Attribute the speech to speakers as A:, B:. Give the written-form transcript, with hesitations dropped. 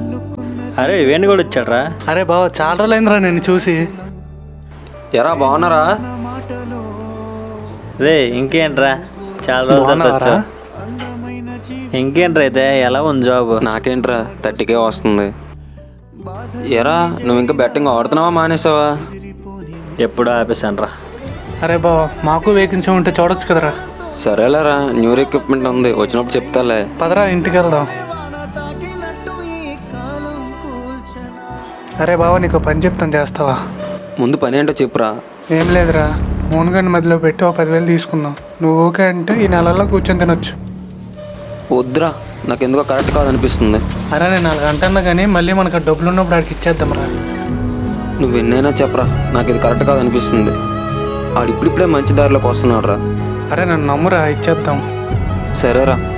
A: అరే వేణు కూడా వచ్చాడ్రా.
B: అరే బావ చాలా రోజులైందిరా నేను చూసి.
C: ఎరా బాగున్నారా?
A: రే ఇంకేంట్రా, చాలా రోజులు
B: బాగున్నావారా?
A: ఇంకేంట్రా అయితే ఎలా ఉంది జాబ్?
C: నాకేంట్రా 30K వస్తుంది. ఎరా నువ్వు ఇంకా బెట్టింగ్ ఆడుతున్నావా మానేసావా?
A: ఎప్పుడు ఆపేశానురా.
B: అరే బావ మాకు వేకెన్సీ ఉంటే చూడొచ్చు కదరా.
C: సరేలేరా, న్యూ ఎక్విప్మెంట్ ఉంది, వచ్చినప్పుడు చెప్తాలే.
B: పదరా ఇంటికి వెళ్దాం. అరే బావ నీకు పని చెప్తాను, చేస్తావా?
C: ముందు పని ఏంటో చెప్పురా.
B: ఏం లేదురా, మూనుగండి మధ్యలో పెట్టి 10,000 తీసుకుందాం. నువ్వు ఓకే అంటే ఈ నెలలో కూర్చొని తినొచ్చు.
C: వద్దురా, నాకు ఎందుకో కరెక్ట్ కాదనిపిస్తుంది.
B: అరే నేను 4 గంటన్నా కానీ మళ్ళీ మనకు ఆ డబ్బులు ఉన్నప్పుడు ఆడికి ఇచ్చేద్దాంరా.
C: నువ్వు ఎన్నైనా చెప్పరా, నాకు ఇది కరెక్ట్ కాదనిపిస్తుంది. ఆడు ఇప్పుడిప్పుడే మంచి దారిలోకి వస్తున్నాడు రా.
B: అరే నన్ను నమ్మురా, ఇచ్చేద్దాం.
C: సరేరా.